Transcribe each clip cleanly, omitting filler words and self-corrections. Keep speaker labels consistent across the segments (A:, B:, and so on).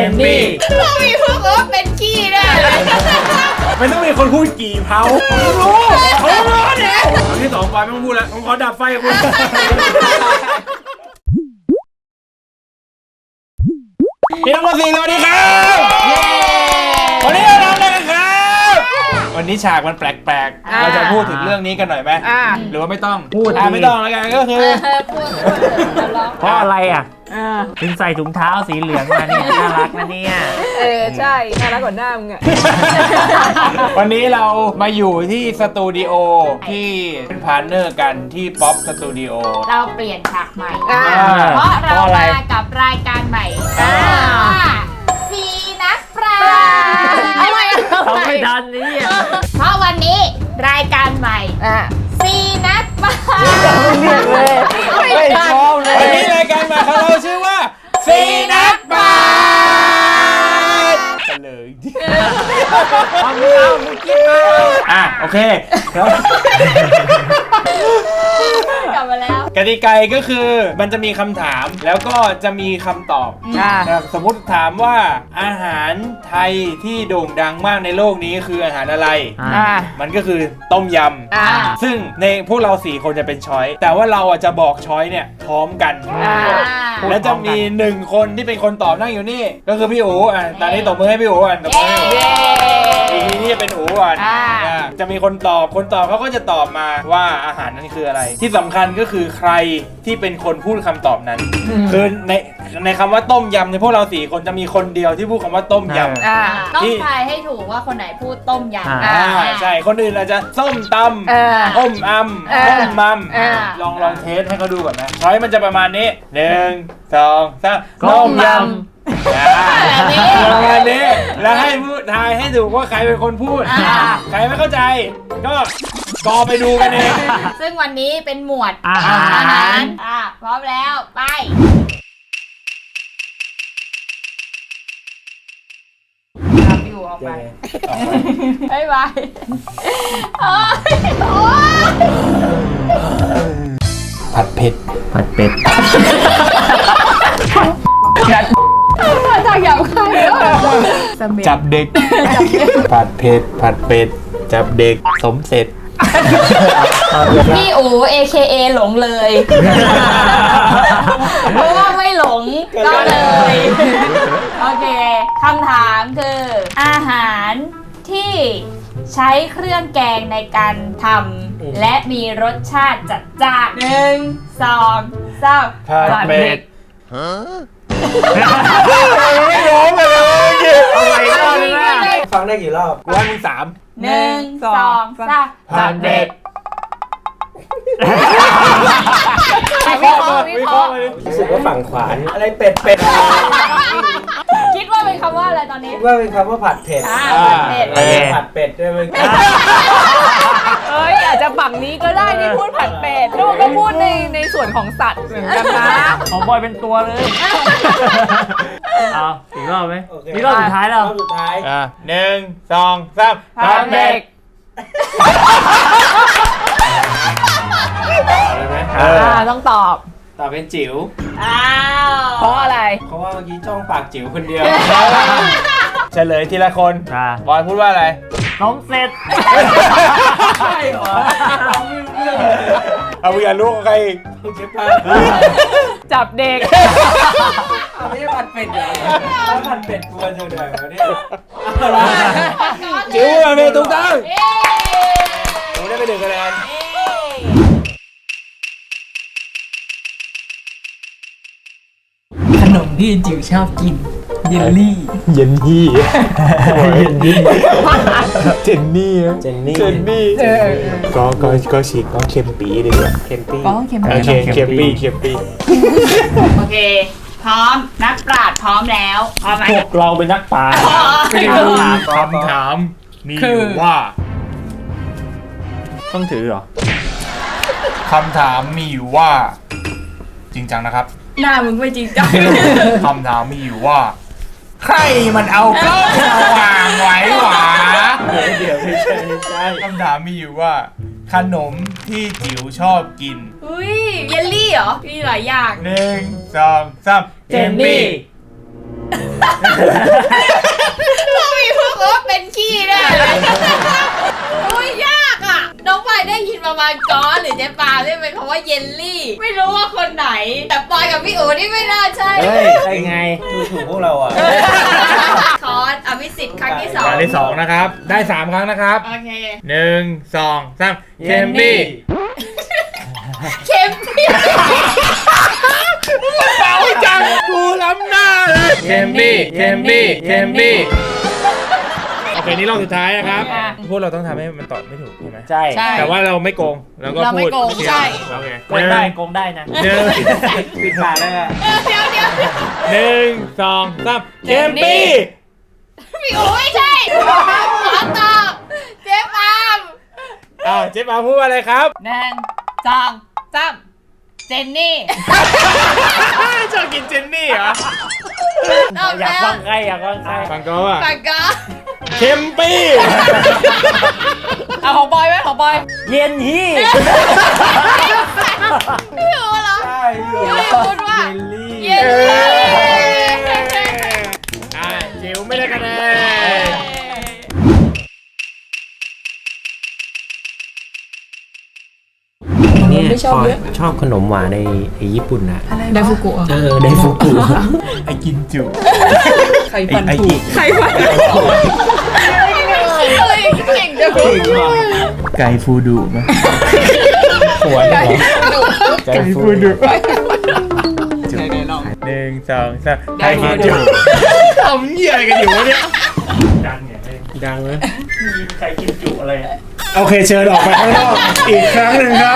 A: นนี่
B: ต้องมีพวกเป็นขี้แน่เลย
A: ไม่ต้องมีคนพูดกี่เผาเขารู้เนี่ยครั้งที่2ไปไม่ต้องพูดแล้วผมขอดับไฟกับคุณพี่น้อง4สวัสดีครับวันนี้เราทำอะไรกันครับวันนี้ฉากมันแปลกๆเราจะพูดถึงเรื่องนี้กันหน่อยไหมหรือว่าไม่ต้องพูดไม่ต้องแล้วกันก็คือ
C: เพราะอะไรอ่ะถึงใส่ถุงเท้าสีเหลืองมาเนี่ยน่ารักนะเนี่ย
B: ใช่น่ารักกว่าหน้ามึงอะ
A: วันนี้เรามาอยู่ที่สตูดิโอที่เป็นพาร์ทเนอร์กันที่ป๊อปสตูดิโอ
B: เราเปลี่ยนฉากใหม่เพราะเรามากับรายการใหม่สีนักปราชญ์
C: เขาไม่ทันนี่
B: เพราะวันนี้รายการใหม่สีนักปราชญ์
A: ไม่ชอบเลยวันนี้รายการใหม่ของเราชื่อว่าสีนักปราชญ์กันเลยมึงกินมาโอเค
B: กลับมาแล้ว
A: กติกาก็คือมันจะมีคำถามแล้วก็จะมีคำตอบสมมุติถามว่าอาหารไทยที่โด่งดังมากในโลกนี้คืออาหารอะไรมันก็คือต้มยำซึ่งในพวกเรา4คนจะเป็นช้อยแต่ว่าเราจะบอกช้อยเนี่ยพร้อมกันแล้วจะมี1คนที่เป็นคนตอบนั่งอยู่นี่ก็คือพี่อู๋ตอนนี้ตบมือให้พี่อู๋ตบมือให้อีกทีนี้จะเป็นอู๋ก่อนจะมีคนตอบเขาก็จะตอบมาว่าอาหารนั้นคืออะไรที่สำคัญก็คือใครที่เป็นคนพูดคำตอบนั้นคือในคำว่าต้มยำในพวกเรา4คนจะมีคนเดียวที่พูดคำว่าต้มยำ
B: ต้องทายให้ถูกว่าคนไหนพูดต้มย
A: ำใช่คนอื่นอาจจะส้มตำต้มต้มมัมลองเทสให้เขาดูก่อนนะช้อยมันจะประมาณนี้1 2 3ต้มยำประมาณนี้แล้วให้พูดทายให้ถูกว่าใครเป็นคนพูดใครไม่เข้าใจก็ไปดูกันเอง
B: ซึ่งวันนี้เป็นหมวดอาหารพร้อมแล้วไปอยู่ออกไปบ๊ายบาย
A: ผัดเผ็ด
B: จากหยาบคายแล้ว
A: จับเด็กผัดเผ็ดจับเด็กสมเสร็จ
B: พี่อู๋ AKA หลงเลยเพราะว่าไม่หลงก็เลยโอเคคำถามคืออาหารที่ใช้เครื่องแกงในการทำและมีรสชาติจัดจ้าน1 2 3
A: ผัดเผ็ดไม่ร้องเลยเอาไว้ก่อนนะฟังได้กี่รอบกูให้มึง
B: 3 1 2 3
A: ผัดเผ็ด
B: วิเคราะห์
A: รู้สึกว่าฝั่งขวานอะไรเป็ด
B: คิดว่าเป็นคำว่าอะไรตอนนี้
A: ว่าเป็นคำว่าผัดเผ็ดผัดเป็ดด้วยมึง
B: อาจจะฝั่งนี้ก็ได้ที่พูดผัดเป็ดลูกก็พูดในส่วนของสัตว์เหมือนกันนะ
C: ของบอยเป็นตัวเลยเอาอีกรอบไหมนี่รอบสุดท้ายแล้ว
A: รอบสุดท้าย1 2 3ผัดเผ็ด
B: ต้องตอบ
A: เป็นจิ๋ว
B: เพราะอะไร
A: เพราะว่าเมื่อกี้จ้องปากจิ๋วคนเดียวเฉลยทีละคนบอยพูดว่าอะไร
C: น้องเสร็จ
A: ใช่เหรอเอาอย่าลูกใครเจ็บปาก
B: จับเด็ก
A: ไม่ใช่ผัดเป็ดเหรอผัดเป็ดกวนจังเลยวันนี้จิ๋วมาเป็นถูกต้องหนูได้ไป1 คะแนน
D: ขนมที่จิ๋วชอบกินเยลลี่
A: เจนนี่ก็ฉีกก็เค็มปีดีกว่าเค็มปี
B: โอเคพร้อมนักปราชญ์พร้อมแล้วพร้อมไหม
A: พวกเราเป็นนักปราชญ์คำถามมีว่าต้องถือเหรอคำถามมีอยู่ว่าจริงจังนะครับ
B: หน้ามึงไม่จริงจัง
A: คำถามมีอยู่ว่าใครมันเอากล้องมาวางไว้หวะเดี๋ยวไม่ใช่คำถามมีอยู่ว่าขนมที่จิ๋วชอบกิน
B: อุ้ยเยลลี่เหรอมีหลายอย่าง
A: 1 2 3
B: เจนนี่ต้องมีพวกว่าเป็นขี้แน่เลยอุ้ยยากอ่ะน้องปอยได้ยินประมาณก้อนหรือเจ๊ปาได้เป็นคำว่าเยลลี่ ไม่รู้ว่าคนไหน แต่ปอยกับพี่อู๋นี่ไม่น่าใช่
C: เฮ้ยได้ไง
A: ดูถูกพวกเราอ่ะ
B: คอร์สอภิสิทธิ์ครั้งที่สอง
A: ครั้งที่2นะครับได้3ครั้งนะครับ
B: โอเค
A: 1 2 3เคมบี้
B: เข้มพี่
A: เป่าจังกูล้ำหน้าเลยเคมบี้โอเคนี่รอบสุดท้ายนะครับพวกเราต้องทำให้มันตอบไม่ถูกใช่ไหม
C: ใช่
A: แต่ว่าเราไม่โกงแล้วก็
B: เรา
A: พู
B: ไม่
A: ด
B: โกงใช่
A: โอเค
C: โกงได้โกงได้นะ
A: หนึ่ง
C: ปิดปากได้ไหม
B: เดี๋ยว
A: 1 2 3เคมบี้
B: พี่อู๋ไม่ใช่ขอตอบเจ๊ปาม
A: เจ๊ปาพูดว่าอะไรครับ
B: 1 2 3เจนนี่
A: ชอบกินเจนนี่เหรอ
B: ตอบ
C: อยาก
B: แล้ว
C: ฟังใครอยากฟังใคร
A: ฟังก็ว่า
B: ปากกา
A: เคมปี้
B: เอาของบอยไหมของบอย
C: เย็นฮี่
B: พี่อู๋เหรอ
A: ใช่
B: พี่อู๋พูดว่า
A: เยลลี่
B: เย้
A: จิ๋วไม่ได้คะแนน
E: เนี่ยชอบขนมหวานในญี่ปุ่นนะ
D: ไดฟุกุ
E: ไดฟุกุ
A: ไอ้กินจุ
D: ใครฟันถูก
B: ใครวะอะไรเก่งจัง
A: ไก่ฟูดุไหม
E: หัวเหรอ
A: ไก่ฟูดุ
D: ไหนลอง
A: 1 2 3ไก่ฟูดุทำเหี้ยอะไรกันอยู่วะเนี่ย
C: ดังไง
E: ดังไหม
C: มีใครกินจุอะไรอะ
A: โอเคเชิญออกไปข้างนอกอีกครั้งหนึ่งครับ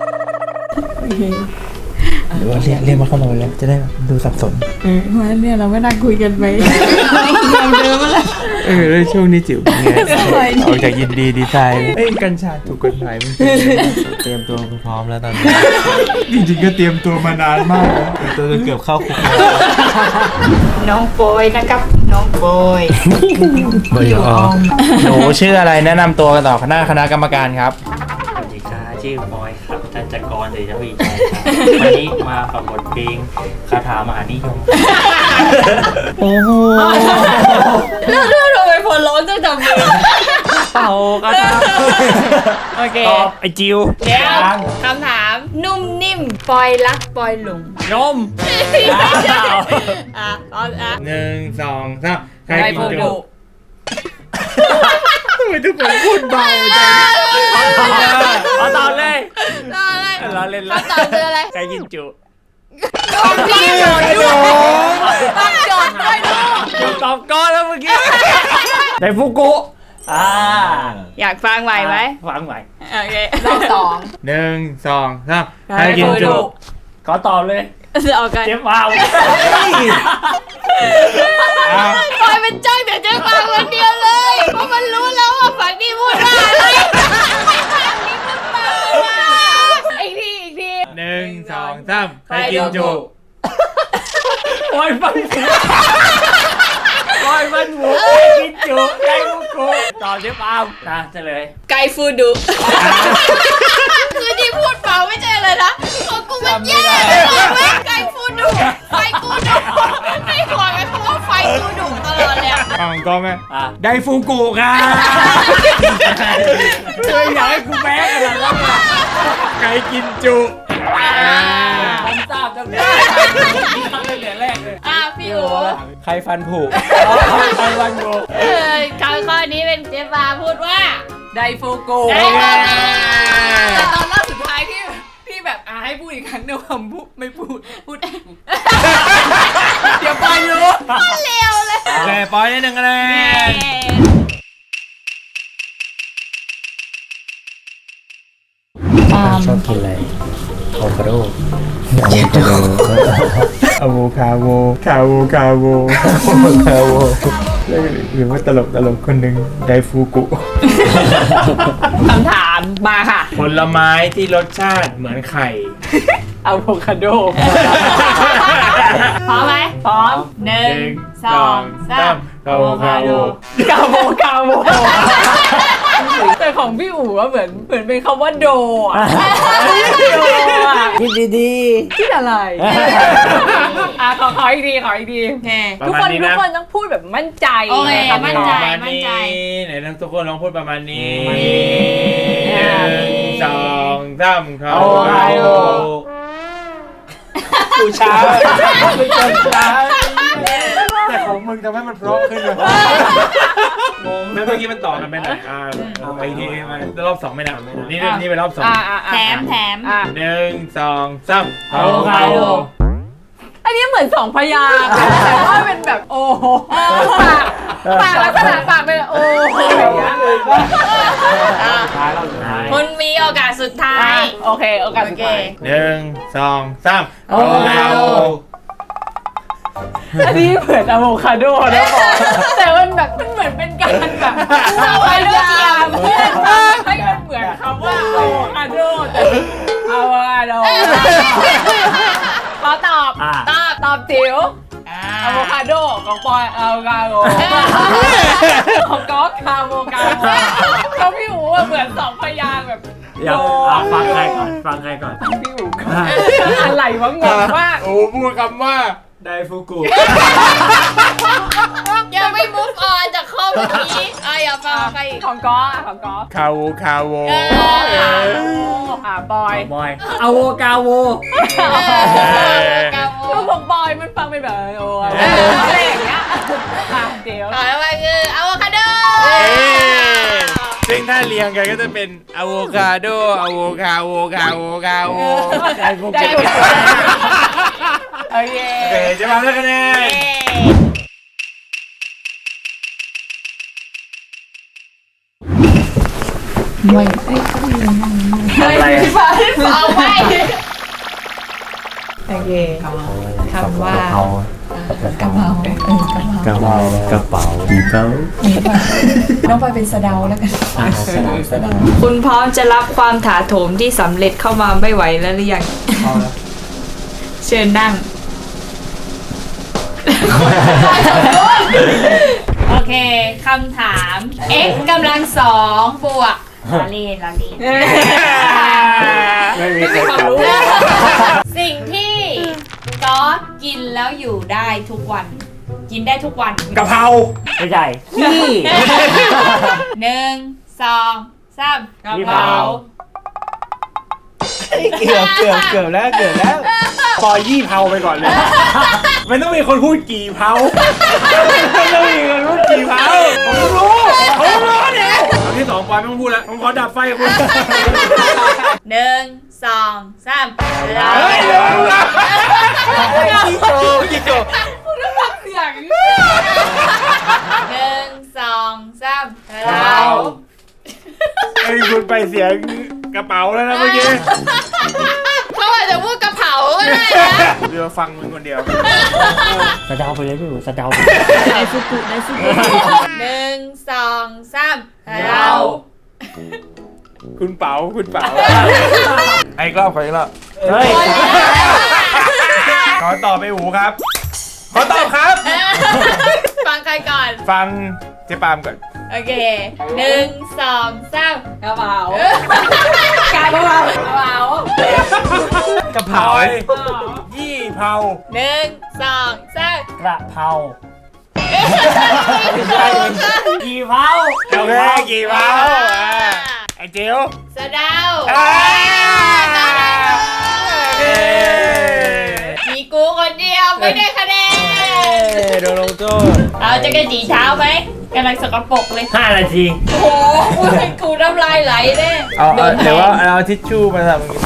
E: หรือว่าเรียกมาเข้ามาแล้วจะได้ดูสับสน
D: มาเนี่ยเราไม่น่าคุยกันไปเดิมมาแล้ว
A: แล้วช่วงนี้จิ๋วเป็นไงออกจากยินดีดีใจกัญชาถูกกฎหมายมั้ย
E: เตรียมตัวพร้อมแล้วตอนนี้
A: จริงๆก็เตรียมตัวมานานมากแล้ว
E: ตัวเกือบเข้าคุก
B: น้องโปยนะครับน้องโปย
E: บอยออม
A: หนูชื่ออะไรแนะนำตัวกันต่อคณะกรรมการครับ
C: สวัสดีค่ะชื่อบอยครับจันจกรเดชวีชัยครับวันนี้มากับบทเพลงคาถามหานิยม
E: โอ้โห
B: เรื่องทำไมพอร้องต้องจำมือ
C: เป่าก็ได้
B: โอเค
C: ตอบไอจิว
B: เดี๋ยวคำถามนุ่มนิ่มปอยรักปอยหลง
C: นม
B: ตอนอ่ะ
A: 1 2 3ใคร
B: ใคร
A: กิน
B: พูด
A: จุ
B: ดุ
A: ทำไมทุกคนพูดเบาจัง
C: เอาตอบเลย
B: ตอนอะไร
C: เราเล่นละ
B: คำตอบคืออะไร
C: ใครกินจุ
B: ต้องพี่โจทย์ด้วยต้องโจทย์ด้วยลูก
C: จุตอบก้อนแล้วเมื่อกี้ไดฟุกุ
B: อยากฟังไหวไหม
C: ฟังไหว
B: โอเครอบสอง
A: 1 2 3ใครกินจุ
C: ขอตอบเลย
B: เอากัน
C: เจ๊ฟาว
B: ปอยเป็นจ้างแต่เจ๊ฟังคนเดียวเลยเพราะมันรู้แล้วว่าฝั่งนี้พูดว่าอะไรอีกที
A: 1 2 3ใครกินจุ
C: ปล่อยฟันหมูปล่อยฟันหมูใครกินจุไดฟุกุตอบเจ๊ฟาวนะเฉลย
B: ไก่ฟูดุคือที่พูดเปล่าไม่ใช่เลยนะของกูมันแย่เลยไก่ฟูดุไฟกูดุไม่ขอไหมเพราะว่าไฟกูดุตลอดเลย
A: ฟังก็ไหม
C: ไดฟูกุค่ะเคยอยากให้กูแพ้ขนาดนั้นอะ
A: ใครกินจุ
C: ผมทราบจังเลยตั้งแต่แรกเลย
B: พี่อู๋
E: ใครฟันผุ
C: ไดฟันหมู
B: ข้อนี้เป็นเจ๊ปาพูดว่า
D: ไดฟุกุ
B: ได้มา
D: แต่ตอนรอบสุดท้ายที่แบบให้พูดอีกครั้งเนี่ยผมไม่พูดเดี๋ยวไปรู้
B: เร็วเลย
A: โอเคปอยได้1คะแนน
E: ชอบกินอะไรอะโวคาโด
A: อะโวคาโวหรือว่าตลกคนหนึ่งไดฟูกุ
D: คำถามมาค่ะ
A: ผลไม้ที่รสชาติเหมือนไข่
D: อะโวคาโด
B: พร้อมไหมพร้อม1 2 3
A: อะโวคาโด
D: กาโมแต่ของพี่อู๋ว่าเหมือนเป็นคำว่าโดอ่ะโดอ่ะ
E: คิดดี
D: คิดอะไรขออีกทีขออีกที
B: โอเค
D: ทุกคนต้องพูดแบบมั่นใจ
B: โอเคมั่นใจ
A: ประาณนี้ไหนทุกคนลองพูดประมาณนี้ 1 2 3เขา
C: กูช้า
A: แต่ของมึงทำให้มันเพราะขึ้นเลยงงเมื่อกี้มันต่อกันไปไหนเอาไปที่รอบ2ไม่นับนี่เป็นรอบ2
B: แถม
A: 1 2 3เอา
D: อันนี้เหมือน2 พยางค์แต่ว่าเป็นแบบโอ้โหปากลักษณะปากเป็นโอ้โหอย่างเงี้ย
B: คุณมีโอกาสสุดท้าย
D: โอเคโอกาสสุดท้าย
A: 1 2 3เอา
D: อันนี้เหมือนอะโวคาโดนะบอกแต่มันแบบมันเหมือนเป็นการแบบพยายามเพื่อให้มันเหมือนคำว่าอะโวคาโดแต่อะโวคาโดขอตอบตอบจิ๋วอะโวคาโดของปอยอะโวคาโดของก๊อกคาโวคาโดแล้วพี่อู๋เหมือน2 พยางค์แบบ
C: เดี๋ยวฟังใครก่อน
D: พี่อู๋ก็อะไรวะงงมาก
A: โอ้พูดคำว่า
C: ไดฟูกุ
B: ยังไม่ move on จากข้อเมื่อกี้อย่าฟังใคร
D: ของก๊อกของก๊อก
A: คาโว
D: บอย
C: บอยอะโวกาโว
D: ก็ของบอยมันฟังเป็นแบบโอ้อะไรอย่างเงี้ยเดี๋ยว
B: ต่อไปคืออะโวคาโด
A: ซึ่งถ้าเรียงกันก็จะเป็นอะโวคาโดอะโวคาโว
C: ไดฟู
D: ใจ
C: กุ
D: กูโอเค
A: โอเคจะมาแล้วคะแนน
C: อะไร
B: เอาไป
D: โอเค
E: คำว่ากระเป๋ากระเป๋ากระเป๋าดีเป๋า
D: น้องปอยเป็นสะเดาแล้วกัน
E: สะดาว
B: คุณพร้อมจะรับความถาโถมที่สำเร็จเข้ามาไม่ไหวแล้วหรือยังเชิญนั่ง โอเคคำถาม x กำลัง2บวกลาลีน
C: ไม่มีใครตอบ
B: สิ่งที่ก๊อตกินแล้วอยู่ได้ทุกวัน กินได้ทุกวัน
A: กะเพรา
C: ไม่ใช่ขี้
B: 1 2 3กะเพรา
A: เกือบแล้วปอยยี่เผาไปก่อนเลยมันต้องมีคนพูดกี่เผามันต้องมีคนพูดกี่เผาผมรู้เนี่ยคำที่2ปอยไม่ต้องพูดแล้วผมขอดับไฟคุณ
B: 1 2 3เรา
A: เฮ้ยเร็วกี่โก
B: 1 2 3เรา
A: ไอ้คุณไปเสียงกระเป๋าแล้วนะเมื่อกี้
B: เขาอาจจะพูดกระเป๋าก็ได้นะ
A: เดี๋ยวฟังมึงคนเดียว
C: สะเดาไปเลยพี่อู๋สะเดา
B: 1 2 3เรา
A: คุณเป๋าไอ้กล้องขออีกรอบ
C: เฮ้ย
A: ขอตอบไปหูครับ ขอตอบครับ
B: ฟังใครก่อน
A: ฟังเจ๊ปามก่อน
B: โอเค 1 2 3กระเป๋าก
D: ระเป๋าก
A: ระเพรายี่เผา
B: 1 2 3
C: กระเพรากี่เผา
A: โอเคกี่เผาไอ้เจียว
B: สะเดา มีกูคนเดียวไม่ได้คะแนน
A: โดนลงโทษ
B: เราจะกระจีเท้าไหมกำลังสกปรกเลย
C: 5 นาที
B: โอ้โหกูน้ำลายไหลแน่
A: เดี๋ยวว่าเอาทิชชู่มาทำ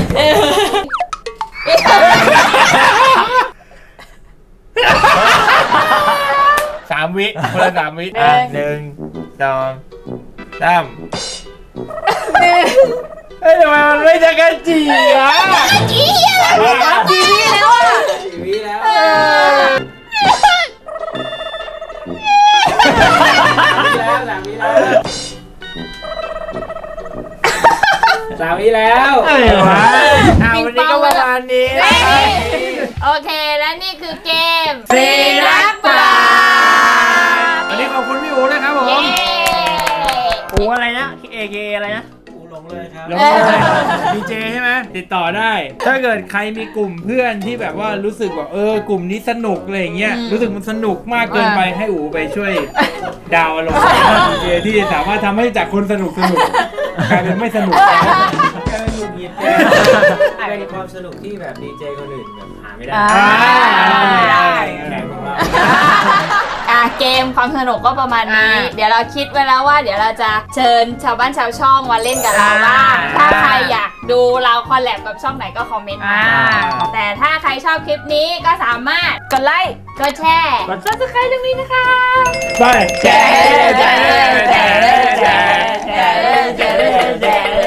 A: 3 วิคนละ3 วิ1 2 3เฮ้ยทำไมมันไม่จะกระจีอ่ะ
B: จี้อะไรจี้แล้วอ่ะ
C: วิแล้วสามวิแล้ว
A: ไอ้วะวันนี้ก็ประมาณนี้
B: โอเคและนี่คือเกม
A: สีรักป่า
B: ป
A: วันนี้ขอบคุณพี่อูนะครับผม
B: เย้
C: อูอะไรนะ AK อะไรนะ
A: ลงเลยดีเจใช่ไหมติดต่อได้ ถ้าเกิดใครมีกลุ่มเพื่อนที่แบบว่ารู้สึกว่ากลุ่มนี้สนุกอะไรอย่างเงี้ยรู้สึกมันสนุกมากเกินไปให้อูไปช่วยดาวอารมณ์ที่สามารถทำให้จากคนสนุกกลายเป็นไม่สนุก
E: แค่หงุดหงิดเป็นความสนุกที่แบบดีเจคนอื่นแบบหาไม่ได้
B: ได้
E: แข่งของเรา
B: เกมความสนุกก็ประมาณนี้ เดี๋ยวเราคิดไว้แล้วว่าเดี๋ยวเราจะเชิญชาวบ้านชาวช่องมาเล่นกับเราบ้างถ้าใครอยากดูเราคอลแลบกับช่องไหนก็คอมเมนต์มาแต่ถ้าใครชอบคลิปนี้ก็สามารถกดไลค์กดแชร์กด subscribe ตรงนี้นะคะ
A: ไปแชร์
B: แชร์